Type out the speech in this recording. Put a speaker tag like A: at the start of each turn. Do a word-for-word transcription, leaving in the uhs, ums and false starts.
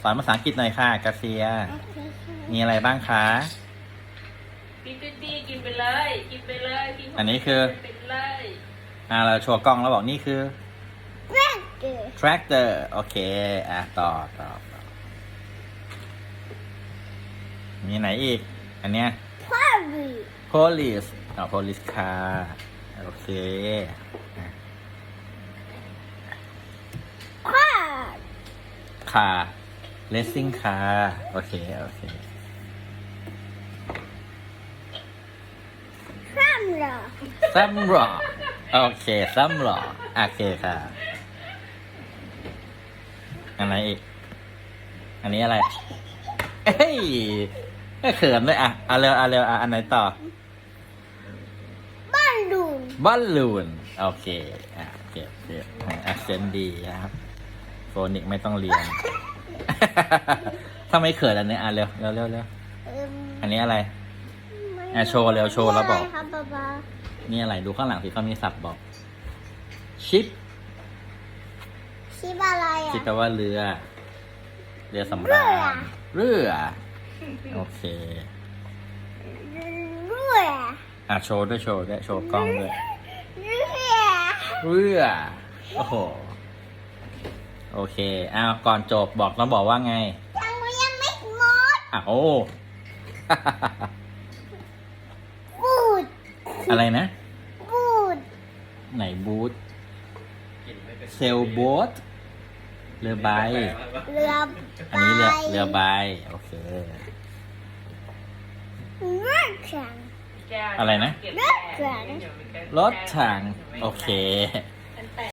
A: สอนภาษาอังกฤษหน่อยค่ะกาเซีย มีอะไรบ้างคะ
B: ปีปีปีกินไปเลยกินไปเลยกิน
A: อันนี้คือ
B: ไปเลย
A: อ่าเราโชว์กล้องแล้วบอกนี่คือ
C: tractor
A: tractor โอเค อ่ะต่อต่อต่อมีไหนอีก อันเนี้ย
C: party
A: police อ๋อ police car โอเคอ่ะ
C: car
A: car racing car โอเค โอเค
C: camera
A: ซัมรอโอเคซัมรอโอเคค่ะ อันไหนอีก อันนี้อะไร เอ้ยไม่เขินเลยอ่ะเอาเร็วเอาเร็วอ่ะอันไหนต่อ
C: balloon
A: บอลลูนโอเค อ่ะเก็บเก็บแอคเซนต์ดีนะครับโฟนิกไม่ต้องเรียน ถ้าไม่เขินอันนี้อ่ะเร็วเร็วเร็วเร็ว
C: เอิ่ม
A: อันนี้อะไร อ่ะโชว์เร็วโชว์แล้วบอก
C: ะไรครับป๊าป๊า
A: นี่อะไรดูข้างหลังสิเขามีศัพท์บอก ชิป
C: ชิบอะไรอ่ะ
A: ชิปแปลว่าเรือ เรือสำ
C: เรื
A: รา
C: อ
A: ญเรือ โอเค
C: เรือ
A: อ่ะโชว์ด้วยโชว์ด้วยโชว์กล้องด้วย
C: เรือ
A: เรือ โอ้โห โอเค อ้าว ก่อนจบบอกต้องบอกว่าไง
C: ยังยังไม่หมด
A: อ้าวโอ้
C: บูด
A: อะไรนะ
C: บูด
A: ไหนบูธเซลโบ๊ทเรือใบ
C: เรือ
A: อันนี้เรือเรือใบ โอเค
C: เรือแข่ง
B: แก้ว
A: อะไรนะ
B: เก็บ
C: รถแข่ง
B: เดี๋ยวมีแก้ว
A: รถถัง โอเค